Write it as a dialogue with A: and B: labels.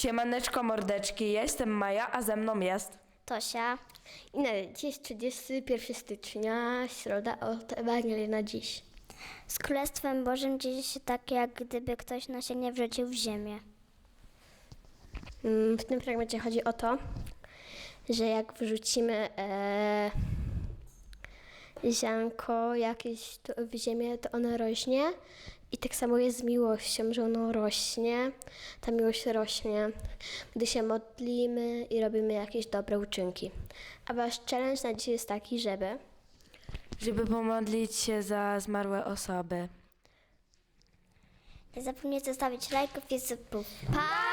A: Siemaneczko mordeczki, ja jestem Maja, a ze mną jest...
B: Tosia.
C: I na dziś jest 31 stycznia, środa od Ewangelii na dziś.
B: Z Królestwem Bożym dzieje się tak, jak gdyby ktoś nasienie wrzucił w ziemię.
C: W tym fragmencie chodzi o to, że jak wrzucimy ziarnko jakieś w ziemię, to ono rośnie. I tak samo jest z miłością, że ono rośnie, ta miłość rośnie, gdy się modlimy i robimy jakieś dobre uczynki. A wasz challenge na dzisiaj jest taki,
A: żeby pomodlić się za zmarłe osoby.
B: Nie zapomnijcie zostawić lajków i subów. Pa!